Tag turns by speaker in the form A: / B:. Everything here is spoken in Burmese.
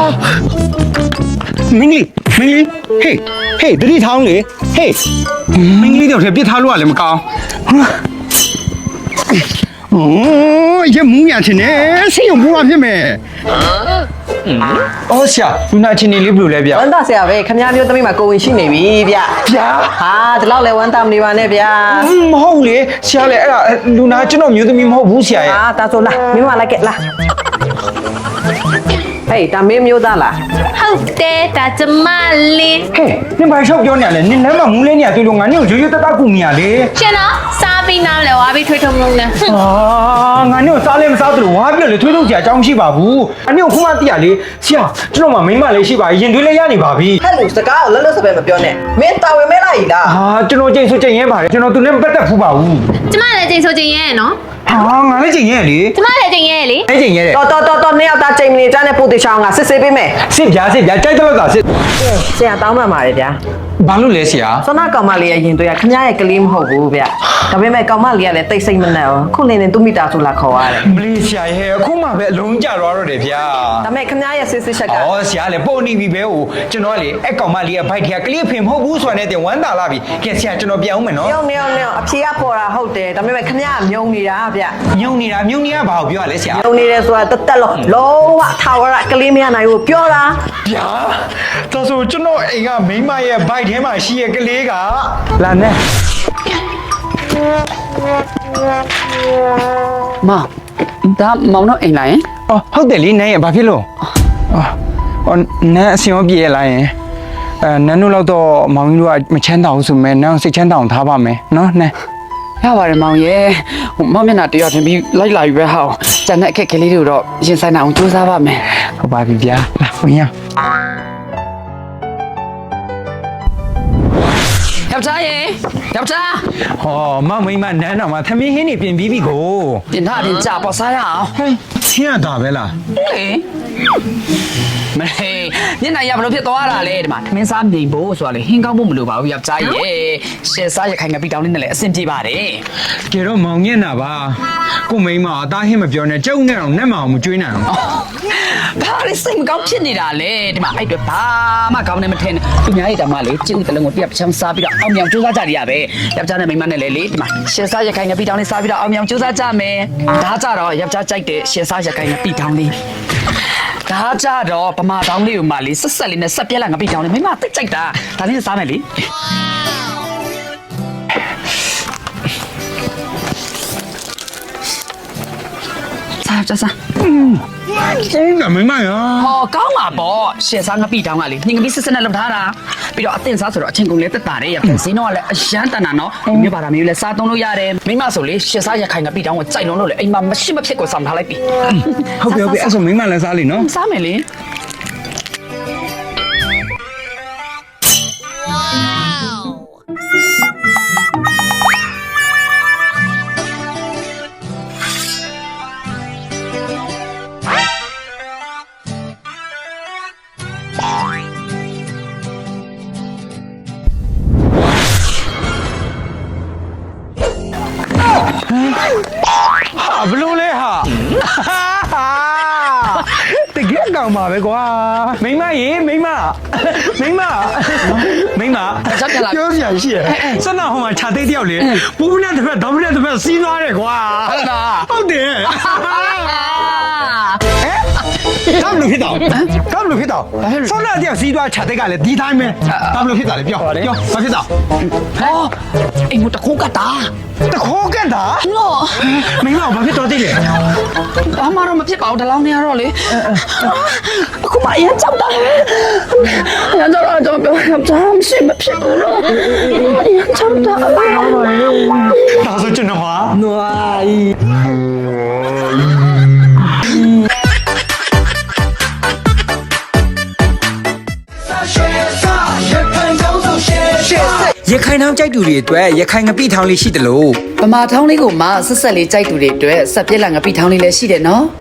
A: မင်းကြီးဟေးတတိထောင်းလေဟေးမင်းကြီးတော့ပြစ်ထားလို့ရလည်းမကောင်းโอ้ยမူးရချင်နေစိတ်ရုံဘူးဖြစ်မယ်အော်ဆရာလူနာချင်းနေလေးဘယ်လိုလဲဗျ
B: ဝမ်းသာဆရာပဲခမည်းမျိုးသမီးမှာကိုဝင်ရှိနေပြီဗျဟာဒီလောက်လဲဝမ်းသာမနေပါနဲ့ဗျာ
A: မဟုတ်လေဆရာလေအဲ့ဒါလူနာကျွန်တော်မျိုးသမီးမဟုတ်ဘူးဆရာရဲ့
B: ဟာတာဆိုလားမင်းမလိုက်ကဲလားဟေးတာမင်းမျိုးသားလား
C: ဟုတ်တယ်ဒါကျမလေး
A: ဟဲ့နင်ဘာရှောက်ပြောနေရလဲနင်လမ်းမှာမူးလဲနေရတွေ့လို့ငါနင်ကိုရိုးရိုးတတ်ကူမိရလေ
C: ရှင်တော့စားပြီးနားလဲဝါပြီးထွေးထုံလုံးနဲ့
A: ငါနင်ကိုစားလဲမစားသလိုဝါပြလေထွေးထုတ်ကြအကြောင်းရှိပါဘူးအနင်ကိုခုမှသိရလေဆရာကျွန်တော်မှမိမလေးရှိပါရင်သွေးလေးရနေပါပြီ
B: ဟဲ့လူစကားကိုလက်လွတ်စပယ်မပြောနဲ့မင်းတာဝန်မဲလိုက်လား
A: ကျွန်တော်ကြိတ်ဆိုကြိတ်ရဲပါတယ်ကျွန်တော်သူနဲ့မပတ်သက်ဘူးပါဘူး
C: ကျမလည်းချိန်ဆိုချိန်ရဲနော်
A: ငါလည်းကြိတ်ရဲလေ
C: ကျမလည်းချိန်ရဲလေ
A: အဲ့ကြိတ်ရဲတဲ့
B: တော်နှစ်ယောက်သားချိန်မနေကြတဲ့ပိုတေချောင်းကစစ်ဆေးပေးမယ်
A: စစ်ပြကြိုက်တယ်လို့သာစစ်
B: ဆရာတောင်းမှန်ပါတယ်ဗျာ
A: ဘာလို့လဲဆရာ
B: စောနာကောင်မလေးရဲ့ရင်သွေးကခမည်းရဲ့ကလေးမဟုတ်ဘူးဗျဒါပေမဲ့ကောင်မလေးကလည်းတိတ်ဆိတ်မနဲ့ဘူးခုနေနေသူ့မိသားစုလာခေါ်ရတယ်
A: မလေးဆရာရဲ့အခုမှပဲအလုံးကြတော့တယ်ဗျာ
B: ဒါပေမဲ့ခမည်းရဲ့စစ်စစ်ချက်က
A: ဆရာလည်းပုံနေပြီပဲဟိုကျွန်တော်ကလေအဲ့ကောင်မလေးရဲ့ဘိုက်ထက်ကလေးဖင်မဟုတ်ဘူးဆိုတာနဲ့တင်ဝမ်းသာလာပြီကဲဆရာကျွန်တော်ပြန်အောင်မယ်နော်
B: ညောင်းအဖြေကပေါ်တာဟုတ်တယ်ဒါပေမဲ့ခမည်းကမြုံနေတာဗျ
A: မြုံနေတာဘာကိုပြောရလဲဆရာ
B: မြုံနေတယ်ဆိုတာတက်လုံးဝထာဝရကလေးမရနိုင်ဘူးပြောတာ
A: ဗျာဒါဆိုကျွန်တော်အိမ်ကမိမရဲ့ဘိုက်ထဲမှာရှိရဲ့ကလေးကလာနဲ့
D: မောင်ဒါမောင်တော့အိမ်လာရင်
A: ဟုတ်တယ်လေနန်းရဲ့ဘာဖြစ်လို့နန်းအစင်ရောပြေးလာရင်နန်းတို့တော့မောင်ကြီးတို့ကမချမ်းသာဘူးဆိုမဲ့နန်းစိတ်ချမ်းသာအောင်ထားပါမယ်နော်နန်း
D: ရပါတယ်မောင်ရဲ့ဟိုမောင်မျက်နှာတရားတင်ပြီးလိုက်လာပြီပဲဟောကျန်တဲ့အခက်ခဲလေးတွေတော့ရင်ဆိုင်နိုင်အောင်ကြိုးစားပါမယ်
A: ဟုတ်ပါပြီဗျာလာဝင်ရ
D: ယောက်ျားရေယောက်ျား
A: မိမနန်းတော်မှာသမီးဟင်းနေပြင်ပြီးပြီကို
D: ပြင်ထားတင်ကြပေါ်စားရအောင်
A: ဟဲ့ချင်းရတာပဲလား
D: လေမလေးညနေရဘလို့ဖြစ်သွားတာလေဒီမှာသမင်းစားမြိန်ဖို့ဆိုတာလေဟင်းကောင်းဖို့မလိုပါဘူးယောက်ျားရေရှယ်စားရခိုင်ငပိတောင်းလေးနဲ့လည်းအဆင်ပြေပါတယ်
A: ကြတော့မောင်ညက်နာပါကိုမိမအသားဟင်းမပြောနဲ့ကျုပ်နဲ့တော့နက်မအောင်မကျွေးနိုင်အောင်
D: ဘာလို့စိတ်မကောင်းဖြစ်နေတာလဲဒီမှာအဲ့တော့ဘာမှကောင်းနေမထင်သူများရဲ့တမလေးကြည့်ဦးတလုံးကိုပြတ်ချမ်းစားပြီးတော့အောင်မြောင်ကြိုးစားကြရပဲယောက်ျားနဲ့မိန်းမနဲ့လည်းလေဒီမှာရှယ်စားရခိုင်ငပိတောင်းလေးစားပြီးတော့အောင်မြောင်ကြိုးစားကြမယ်ဒါကြတော့ယောက်ျားကြိုက်တဲ့ရှယ်စားရခိုင်ငပိတောင်းလေးဒါကြတော့ပမာတောင်းလေးကိုမှလေဆက်လေးနဲ့ဆက်ပြက်လာငပိတောင်းလေးမိန်းမသိကြိုက်တာဒါလေးစားမယ်လေစားကြစား
A: ကောင်းတယ်မိမရော
D: ဟောကောင်းပါပေါ့ရှယ်စားငပိတောင်းကလေနှင်ငပိစစ်စစ်နဲ့လုပ်ထားတာပြီးတော့အသင်စားဆိုတော့အချင်းကုန်လေးတက်တာတဲ့ရပြန်စင်းတော့ကလည်းအရန်တန်တာနော်မြို့ပါတာမျိုးလဲစားသုံးလို့ရတယ်မိမဆိုလေရှယ်စားရခိုင်ငပိတောင်းကိုကြိုက်လုံးလို့လေအိမ်မှာမရှိမဖြစ်ကိုဆောင်ထားလိုက်ပြီ
A: ဟုတ်ပြီအဲ့ဆိုမိမလည်းစားလိနော်
D: စားမယ်လေ
A: ဘလို့လဲဟာတကယ်ကောင်းပါပဲကွာမိမရေမိမပြောစရာရှိရဲ့စနဟိုမှာခြာသိတယောက်လေပူးနဲ့တစ်ဖက်ဒေါင်းနဲ့တစ်ဖက်စီးသွားတယ်ကွာဟုတ်တယ်ကမ်လို့ဖြစ်တော့ဆောင်းလာတယောက်စီးသွားခြာသိကလည်းဒီတိုင်းပဲကမ်လို့ဖြစ်တာလေပြောဘာဖြစ်တာ
D: ဟောအိမ်မတခိုးကတာ
A: တခိုးကတာ
D: နော်
A: မိမဘာဖြစ်တော့သိလဲ
D: ဘာမှတော့မဖြစ်ပါဘူးဒီလောက်နေရတော့လေအခုမှအရင်ကြောက်တာအရင်ကြောက်တော့ပြောတာမရှိမဖြစ်ဘူးလို့အရင်ကြောက်တာ
A: ဒါဆိုကျွန်တော်ဟာ
B: နွား
E: ရခိုင်ထောင်ကြိုက်သူတွေအတွက်ရခိုင်ငပိထောင်လေးရှိတယ်လို့
D: ဗမာထောင်းလေးကိုမှဆက်ဆက်လေးကြိုက်သူတွေအတွက်ဆက်ပြက်လာငပိထောင်းလေးလည်းရှိတယ်နော်